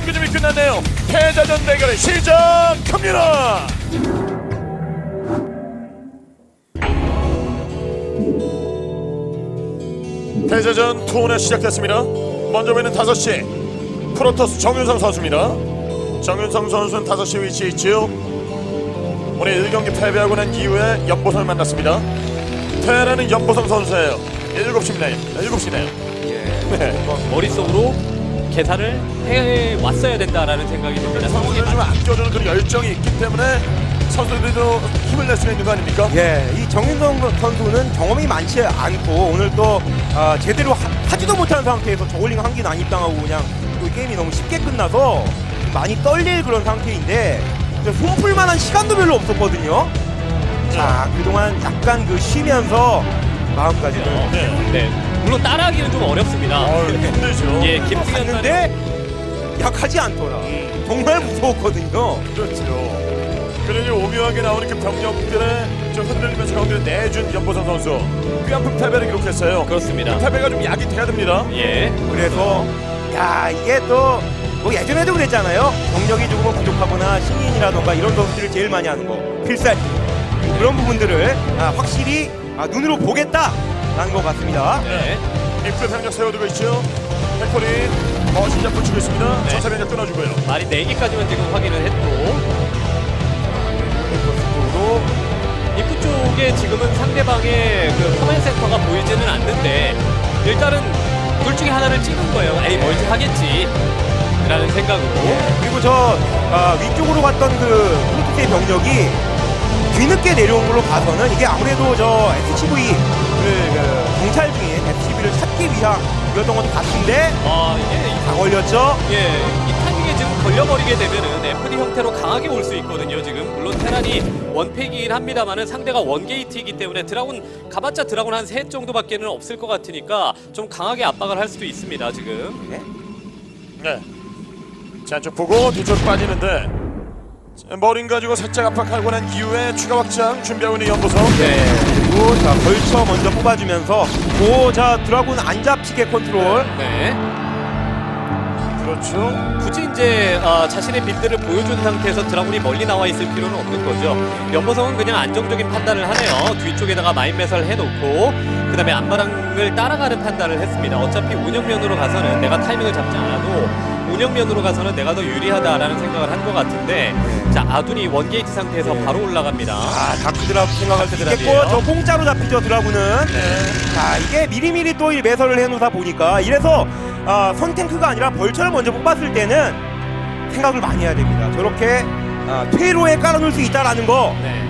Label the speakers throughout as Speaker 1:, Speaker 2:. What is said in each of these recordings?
Speaker 1: 경기 준비 끝났네요. 패자전 대결의 시작합니다. 패자전 투혼에 시작됐습니다. 먼저 보이는 5시 프로토스 정윤성 선수입니다. 정윤성 선수는 5시 위치에 있지요. 오늘 1경기 패배하고 난 이후에 연보성을 만났습니다. 테라는 연보성 선수예요. 7시네요. 7시네요. 네.
Speaker 2: 머릿속으로 계산을 해왔어야 된다라는 생각이 듭니다.
Speaker 1: 선수를 좀 아껴주는 그런 열정이 있기 때문에 선수들도 힘을 낼 수가 있는 거 아닙니까?
Speaker 3: 예, 이 정윤성 선수는 경험이 많지 않고 오늘 또 제대로 하지도 못한 상태에서 저글링 한 개는 안 입당하고 그냥 또 게임이 너무 쉽게 끝나서 많이 떨릴 그런 상태인데 손풀 만한 시간도 별로 없었거든요. 자, 그동안 약간 쉬면서 마음까지는
Speaker 1: 네.
Speaker 2: 물론 따라하기는 좀 어렵습니다.
Speaker 1: 힘들죠.
Speaker 2: 예, 김승현
Speaker 3: 갔는데 약하지 않더라. 정말 무서웠거든요.
Speaker 1: 그렇죠. 그러니 오묘하게 나오는 그 병력들의 좀 흔들리면서 경기를 내준 연보성 선수 꽤 아픈 패배를 기록했어요.
Speaker 2: 그렇습니다.
Speaker 1: 그 패배가 좀 약이 돼야 됩니다.
Speaker 2: 예.
Speaker 3: 그래서 야, 이게 또 뭐 예전에도 그랬잖아요. 경력이 조금 부족하거나 신인이라던가 이런 선수들을 제일 많이 하는 거 필살기 그런 부분들을 확실히 눈으로 보겠다라는 것 같습니다.
Speaker 2: 네.
Speaker 1: 입구 병력 세워두고 있죠. 백골이 거신작 붙이고 있습니다.
Speaker 2: 네.
Speaker 1: 전차 병력 끊어주고요.
Speaker 2: 말이 4개까지만 지금 확인을 했고
Speaker 3: 쪽으로
Speaker 2: 입구 쪽에 지금은 상대방의 그 커맨 센터가 보이지는 않는데 일단은 둘 중에 하나를 찍은 거예요. 에이 멀티 하겠지 라는 생각으로.
Speaker 3: 그리고 저 위쪽으로 갔던 그 프로토스의 병력이 뒤늦게 내려온 걸로 봐서는 이게 아무래도 저 SCV를 정찰 중인 SCV를 찾기 위함이었던 것도 같은데
Speaker 2: 이게
Speaker 3: 다 걸렸죠.
Speaker 2: 이 타이밍에 지금 걸려버리게 되면은 FD 형태로 강하게 올 수 있거든요. 지금 물론 테란이 원팩이긴 합니다만은 상대가 원게이트이기 때문에 드라군 가봤자 드라군 한 3 정도밖에는 없을 것 같으니까 좀 강하게 압박을 할 수도 있습니다. 지금.
Speaker 1: 네. 자, 안쪽 보고 뒤쪽 빠지는데 자, 머린 가지고 살짝 압박하고 난 이후에 추가 확장 준비하고 있는 연보성.
Speaker 3: 네. 그리고 자 벌쳐 먼저 뽑아주면서 자 드라군 안 잡히게 컨트롤.
Speaker 2: 네.
Speaker 1: 그렇죠.
Speaker 2: 굳이 이제 자신의 빌드를 보여준 상태에서 드라군이 멀리 나와 있을 필요는 없는 거죠. 연보성은 그냥 안정적인 판단을 하네요. 뒤쪽에다가 마인 매설 해놓고 그 다음에 안마랑을 따라가는 판단을 했습니다. 어차피 운영면으로 가서는 내가 타이밍을 잡지 않아도 운영면으로 가서는 내가 더 유리하다라는 생각을 한 것 같은데 자 아둔이 원게이트 상태에서 바로 올라갑니다.
Speaker 3: 다크 드라군 생각할 때
Speaker 2: 드랍이에요.
Speaker 3: 됐고 저 공짜로 잡히죠 드라군은. 자 이게 미리미리 또 이 매설을 해놓다 보니까 이래서 선탱크가 아니라 벌처를 먼저 뽑았을 때는 생각을 많이 해야 됩니다. 저렇게 퇴로에 깔아놓을 수 있다라는 거.
Speaker 2: 네.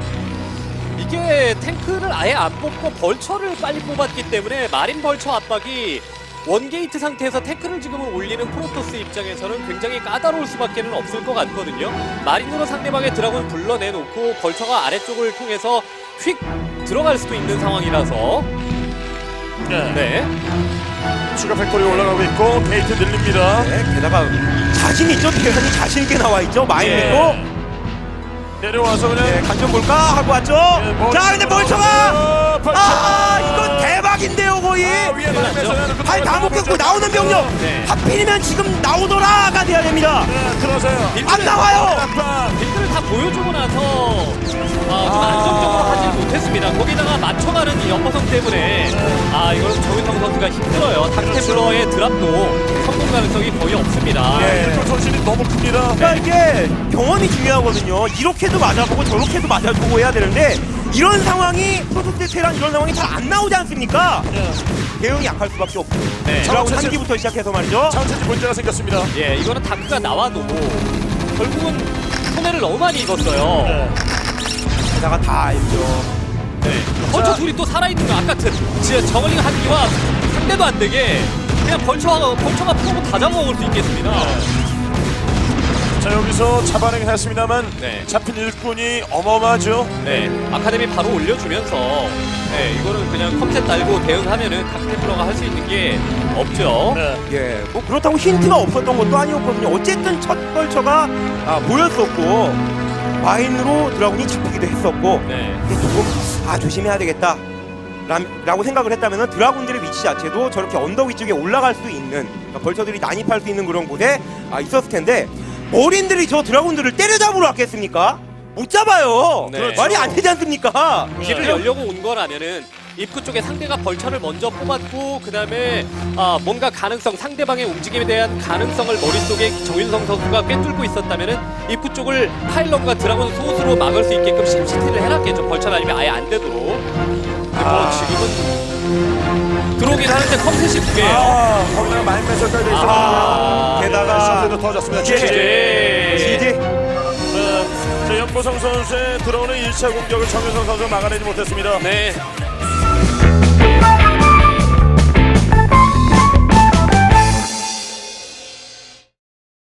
Speaker 2: 이게 탱크를 아예 안 뽑고 벌처를 빨리 뽑았기 때문에 마린 벌처 압박이 원게이트 상태에서 태클을 지금은 올리는 프로토스 입장에서는 굉장히 까다로울 수밖에 없을 것 같거든요. 마린으로 상대방의 드라곤 불러내놓고 벌처가 아래쪽을 통해서 휙 들어갈 수도 있는 상황이라서 네.
Speaker 1: 추가 팩토리 올라가고 있고 게이트 늘립니다.
Speaker 3: 네, 게다가 자신 있죠. 대단히 자신 있게 나와 있죠. 마인도
Speaker 1: 내려와서 그냥
Speaker 3: 네, 간좀 볼까 하고 왔죠. 자 근데 벌처가 이건 대박인데요 거의. 발 다 묶였고 나오는 병력 하필이면 지금 나오더라가 돼야 됩니다.
Speaker 1: 들어서요.
Speaker 3: 안 나와요.
Speaker 2: 빌드를 다 보여주고 나서 좀 안정적으로 하지 못했습니다. 거기다가 맞춰가는 이 연보성 때문에 이거는 정윤성 선수가 힘들어요. 닥테블러의 드랍도 성공 가능성이 거의 없습니다.
Speaker 1: 네, 손실이 너무 큽니다.
Speaker 3: 그러니까 이게 경험이 중요하거든요. 이렇게도 맞아보고 저렇게도 맞아보고 해야 되는데 이런 상황이 프로토스 테란 이런 상황이 잘 안 나오지 않습니까? 대응이 약할 수밖에 없고.
Speaker 2: 네.
Speaker 3: 드라군 한기부터 시작해서 말이죠.
Speaker 1: 차원체제 문제가 생겼습니다.
Speaker 2: 예, 이거는 다크가 나와도 결국은 손해를 너무 많이 입었어요.
Speaker 3: 게다가 다 알죠.
Speaker 2: 네. 벌처 둘이 또 살아있는 거 아까 진짜 저글링 한기와 상대도 안 되게 그냥 벌처가 프로고 다 잡아먹을 수 있겠습니다.
Speaker 1: 자, 여기서 잡아내긴 했습니다만
Speaker 2: 네.
Speaker 1: 잡힌 일꾼이 어마어마하죠.
Speaker 2: 네, 아카데미 바로 올려주면서 이거는 그냥 컴셋 달고 대응하면은 닥테블러가 할 수 있는 게 없죠.
Speaker 1: 네.
Speaker 3: 예, 뭐 그렇다고 힌트가 없었던 것도 아니었거든요. 어쨌든 첫 벌처가 보였었고 마인으로 드라군이 잡히기도 했었고
Speaker 2: 네.
Speaker 3: 이게 조금 조심해야 되겠다 라고 생각을 했다면 드라군들의 위치 자체도 저렇게 언덕 위쪽에 올라갈 수 있는, 그러니까 벌처들이 난입할 수 있는 그런 곳에 있었을 텐데, 머린들이 저 드라군들을 때려잡으러 왔겠습니까? 못 잡아요.
Speaker 2: 네.
Speaker 3: 말이 안 되지 않습니까?
Speaker 2: 길을 열려고 온 거라면은 입구 쪽에 상대가 벌처를 먼저 뽑았고 그 다음에 뭔가 가능성, 상대방의 움직임에 대한 가능성을 머릿속에 정윤성 선수가 꿰뚫고 있었다면은 입구 쪽을 파일럿과 드라곤 소스로 막을 수 있게끔 심시티를 해놨겠죠. 벌처 아니면 아예 안 되도록. 근데 뭐 지금은 들어오긴 하는데 컴셋이 두 개예요.
Speaker 1: 거기다가 마인메설까지 있어.
Speaker 3: 게다가
Speaker 1: 선수도 터졌습니다.
Speaker 3: 지지.
Speaker 1: 자, 연보성 선수의 들어오는 1차 공격을 정윤성 선수가 막아내지 못했습니다.
Speaker 2: 네.